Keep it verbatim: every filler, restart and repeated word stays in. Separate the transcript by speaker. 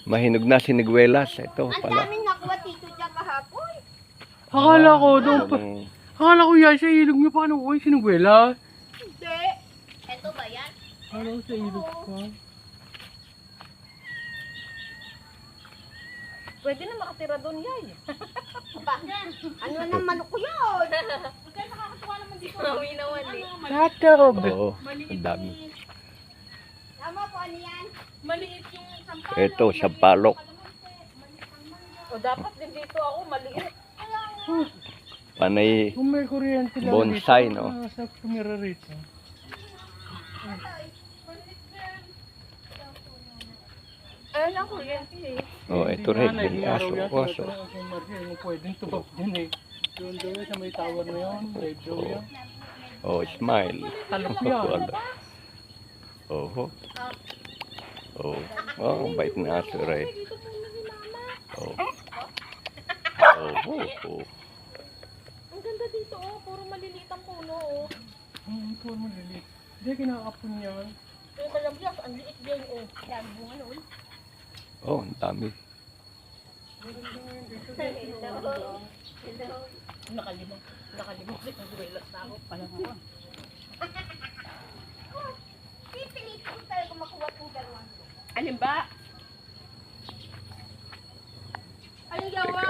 Speaker 1: Mahinog na siniguelas. Ito
Speaker 2: Ang
Speaker 1: pala.
Speaker 2: daming nakuha tito dyan kahapon.
Speaker 3: Akala ko doon pa.
Speaker 1: Yung-
Speaker 3: Akala ko yan sa ilog niyo paano ko sinugwela.
Speaker 2: Hindi. Ito ba yan?
Speaker 3: Akala ko sa ilog pa.
Speaker 2: Pwede na makatira doon yay. Ba, ano nang manok ko yun? Kaya nakakatuwa naman dito. Mawi na wali.
Speaker 3: Natog.
Speaker 1: Oo, ang dami.
Speaker 2: Tama po, ano yan?
Speaker 4: Maliit yung sampalok.
Speaker 1: Ito, sampalok.
Speaker 2: O dapat din dito ako maliit.
Speaker 1: Panay
Speaker 3: Kung may kuryente lang
Speaker 1: Bonsai,
Speaker 3: dito,
Speaker 1: no?
Speaker 3: ah, sa tumira rito.
Speaker 2: Ayun ang kuryente eh.
Speaker 1: Oh, ito rin. May aso. Aso.
Speaker 3: Pwedeng tubak din eh. Doon daw yan sa may tower na yun. Live daw yan.
Speaker 1: Oh, smile.
Speaker 3: Talok yan.
Speaker 1: Wala. Oh. Oh. Oh, ang bait na aso rin. Oh. Oh, oh, oh.
Speaker 4: Ang ganda dito oh, puro maliliit ang puno oh.
Speaker 3: Hmm, ito mo lilit. Hindi, kinakapon yan.
Speaker 4: Yung kalablas, ang liit din oh. Dami bunga noon.
Speaker 1: Oh, ang dami.
Speaker 4: Nakalimang, nakalimang din ang duwelas na ako. Palang ako.
Speaker 2: Pipilitin ko talaga makuha ng dalawang.
Speaker 4: Alin ba? Alin gawa?